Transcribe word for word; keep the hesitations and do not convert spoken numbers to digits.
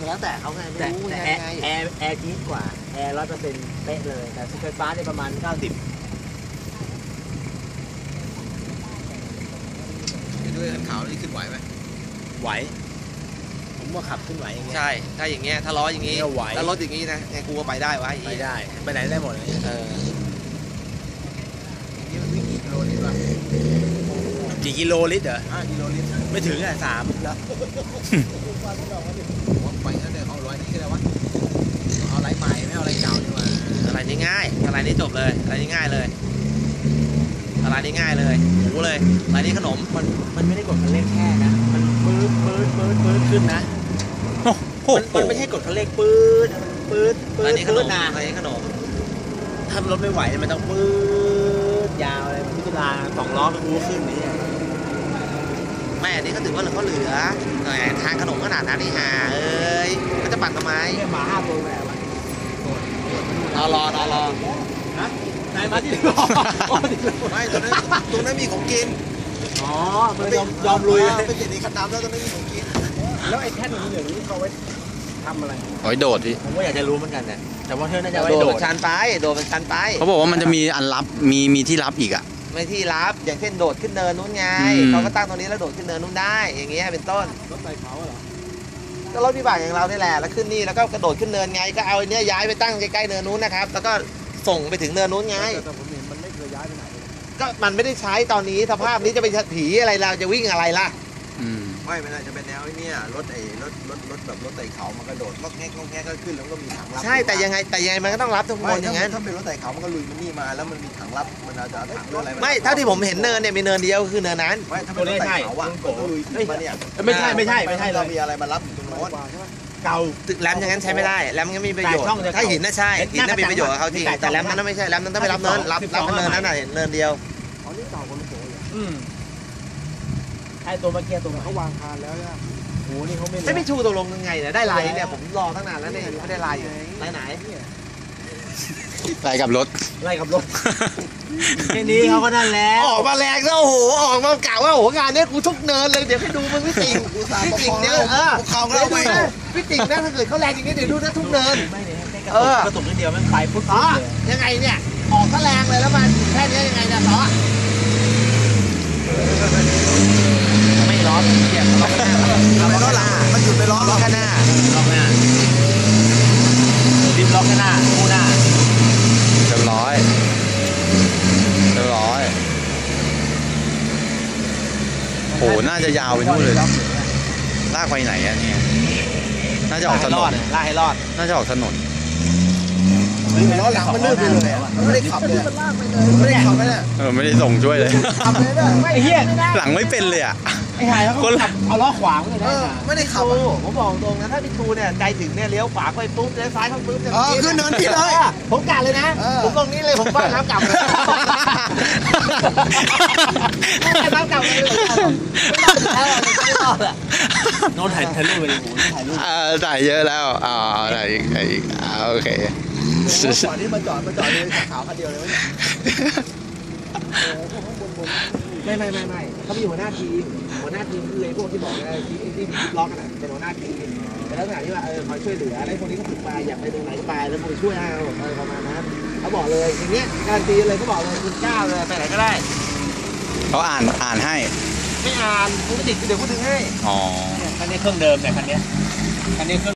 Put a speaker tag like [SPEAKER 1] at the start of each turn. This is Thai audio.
[SPEAKER 1] แล้วแต่เขาไงไม่รู้ไงแอร์แอร์จี๊ดกว่าแอร์ร้อยเปอร์เซ็นต์เป๊ะเลยแต่ไฟฟ้าได้ประมาณเก้าสิบ
[SPEAKER 2] ด้วยขันขาวนี่ขึ้นไหวไหม
[SPEAKER 1] ไหวผมว่าขับขึ้นไหวอย่างเงี้ย
[SPEAKER 2] ใช่ถ้าอย่างเงี้ยถ้าล้ออย่างงี้ถ้ารถอย่างงี้นะไงกูก็ไปได้วะ
[SPEAKER 1] ไปได้ไปไหนได้หมดเลย
[SPEAKER 2] เออนี่มันวิ่งกี่กิโลลิตรวะ
[SPEAKER 1] กี่กิโลลิตรเหรอ
[SPEAKER 2] ห้ากิโลลิตร
[SPEAKER 1] ไม่ถึงอ่ะสามแล้ว
[SPEAKER 2] ไปนั่นเลยเอาร้อยนี้ก็ได้วะเอาไรใหม่ไม่เอาไรเก่าดีกว่าอะไรนี่ง่ายอะไรนี่จบเลยอะไรนี่ง่ายเลยอะไรนี่ง่ายเลยหมูเลยอะไรนี่ขนม
[SPEAKER 1] มันมันไม่ได้กดคันเร่งแค่นะมันปื๊ดปื๊ดปื๊ดปื๊ดขึ้นนะมันมันไม่ใช่กดคันเร่งปื๊ดปื๊ดปื๊ด
[SPEAKER 2] อะไรนี่ขนม
[SPEAKER 1] นะ
[SPEAKER 2] อะไรนี่ขนม
[SPEAKER 1] ถ้ารถไม่ไหวมันต้องปื๊ดยาวเลยพิจารณาสองล้อก็รู้ขึ้นนี่
[SPEAKER 2] แม่นี่เขาถือว่าเขาเหลือทางขนมขนาดนั้นนี่ฮะเอ้ยก็จะปั่นทำไม
[SPEAKER 1] เนี่ยหมาห้าตัวแม่วะ
[SPEAKER 2] รอรอรอรอ
[SPEAKER 1] ฮะนายมาที่รอ
[SPEAKER 2] ไม่ตรงนั้นตรงนั้นมีของกิน
[SPEAKER 1] อ๋อมันยอมยอมลุย
[SPEAKER 2] ไปเจ็ดในคันน้ำแล้วตรงนั้นมีของกิน
[SPEAKER 1] แล้วไอ้แท่นนี้เดี๋ยวนี้เขาไว้ทำอะไร
[SPEAKER 3] โอ้ยโดดที่
[SPEAKER 1] ผมก็อยากจะรู้เหมือนกันนะแต่ว่าเธอน่าจะ
[SPEAKER 2] ไว้โดดชันไปโดดเป็นชันไป
[SPEAKER 3] เขาบอกว่ามันจะมีอันรับมีมีที่รับอีกอ่ะ
[SPEAKER 2] ไม่ที่รับอย่างเช่นโดดขึ้นเนินนู้นไงเขาก็ตั้งตรงนี้แล้วโดดขึ้นเนินนู้นได้อย่างเงี้ยเป็นต้น
[SPEAKER 1] รถไฟเขาเหรอ
[SPEAKER 2] ก็รถวิบากอย่างเราเนี่ยแหละแล้วขึ้นนี่แล้วก็กระโดดขึ้นเนินไงก็เอาเนี้ยย้ายไปตั้งใกล้ๆเนินนู้นนะครับแล้วก็ส่งไปถึงเนินนู้นไง
[SPEAKER 1] แต่ผมเห็นมันไม่เคยย้ายไปไหน
[SPEAKER 2] ก็มันไม่ได้ใช้ตอนนี้สภาพนี้จะไปผีอะไรเราจะวิ่งอะไรล่ะไม่ไม่ได้จะเป็นแนวนี้รถไอ้รถรถรถแบบรถไต่เขามันกระโดดก็แง่ก็แง่ก็ขึ้นแล้วก็มีถังรับใช่แต่ยังไงแต่ยังไงมันก็ต้องรับทุกคนอย่างนั้นถ้าเป็นรถไต่เขามันก็ลุยมันนี่มาแล้วมันมีถังรับมันอาจจะถังรถอะไรไม่เท่าที่ผมเห็นเนินเนี่ยมีเนินเดียวคือเนินนั้น
[SPEAKER 1] ไม่ถ้าเป็นรถไต่เขาอ่ะก็ลุยมาเนี่ย
[SPEAKER 2] ไม่ใช่ไม่ใช่ไม่ใช่
[SPEAKER 1] เรา
[SPEAKER 2] มีอะไรมารับอยู่ตรงโน้น
[SPEAKER 1] เก่า
[SPEAKER 2] ตึกแรมอย่างนั้นใช้ไม่ได้แรมก็มีประโยชน์ถ้าหินน่ะใช่หินน่ะมีประโยชน์กับเขาจริงแต่แรมนั้นไม่ใช่แรมนั้นต้องไปรับเนินรับรับเนินนั้นน่ะเนินเดียว
[SPEAKER 1] อ๋อนี่เก่าคนละโผล่อืมไอ้ตัวเมื่อกี้ตัวเขาวางคานแล้วเนี่ยโอ้นี่เขาไม่
[SPEAKER 2] ไม่ไม่ชูตกลงยังไงเนี่ยได้ลายเนี่ยผมรอตั้งนานแล้วเนี่ยไม่ได้ลายอยู่ลายไหน
[SPEAKER 3] ไล่กับรถ
[SPEAKER 1] ไล่กับรถแค่นี้เขาก็นั่นแล้ว
[SPEAKER 2] ออกมาแรงแล้วโอ้โหออกมากล่าวว่าโอ้โหงานนี้กูทุกเนินเลยเดี๋ยวให้ดูมึงพี่ติ่งพี่ติ่งเนี่ยเออเขาเข้าไปพี่ติ่งนะถ้าเกิดเขาแรงอย่างนี้เดี๋ยวดูนะทุกเนิน
[SPEAKER 1] ไม่เนี่ยเออกระตุกนิดเดียวมันไปปุ๊บ
[SPEAKER 2] อ๋อยังไงเนี่ยออกก็แรงเลยแล้วมาแค่นี้ยังไงเนี่ยต่อไม่ล้อเกียร์ล้อข้างหน้าล้อหลังมันหยุดไปล้อล้อข้างหน้า
[SPEAKER 1] ล้อข้างหน้าดิมล้อข้างหน้าคู่หน้า
[SPEAKER 3] เรียบร้อยเรียบร้อยโหน่าจะยาวไปนู่นเลยลากไปไหนอะเนี่ยน่าจะออกถนน
[SPEAKER 1] ลากให้รอด
[SPEAKER 3] น่าจะออกถนน
[SPEAKER 2] ล้อหลังมันลื่นไปเลยไม่ได้ขับเลยไม่ได้ขับเลย
[SPEAKER 3] เออไม่ได้ส่งช่วยเลย
[SPEAKER 1] ไอ้เหี้ย
[SPEAKER 3] หลังไม่เป็นเลยอ่ะ
[SPEAKER 1] ไอ้หายเขาขับเอาล้อขวางเลยนะ
[SPEAKER 2] ไม่ได้ขับผมบอกตรงนะถ้าพี่ชูเนี่ยใจถึงเนี่ยเลี้ยวขวาไปปุ๊บเลี้ยวซ้ายเข้าปุ๊บจะขึ้นเนินพี่เลยผมกะเลยนะผมตรงนี้เลยผมบ้านน้ำกลับเลยน้ำกลับเลยไม่รอดอ่ะ
[SPEAKER 1] โน้ตถ่ายถ่ายรูปไปเลยถ่ายรูป
[SPEAKER 3] อ่าถ่ายเยอะแล้วอ่าถ่ายอีกถ่ายอีกอ่าโอเค
[SPEAKER 2] ก่อนที่มาจอดมาจอดเลยขาวคันเดียวเลยไม่ไม่ไม่ไม่เขามีหัวหน้าทีมหัวหน้าทีมคือไอ้พวกที่บอกไอ้ที่ที่ล็อกกันเป็นหัวหน้าทีมแต่ลักษณะที่ว่าเออคอยช่วยเหลืออะไรพวกนี้ก็ฝึกไปอยากไปตรงไหนก็ไปแล้วผมช่วยเอาอะไรประมาณนั้นเขาบอกเลยอย่างเงี้ยการตีเลยเขาบอกเลยคุณก้าวเลยไปไหนก็ได้
[SPEAKER 3] เขาอ่านอ่านให้
[SPEAKER 2] ไม่อ่านคุณไม่ติดเดี๋ยวคุณดึงให้
[SPEAKER 3] อ๋อ
[SPEAKER 1] คันนี้เครื่องเดิมแต่คันนี้คันนี้เครื่อง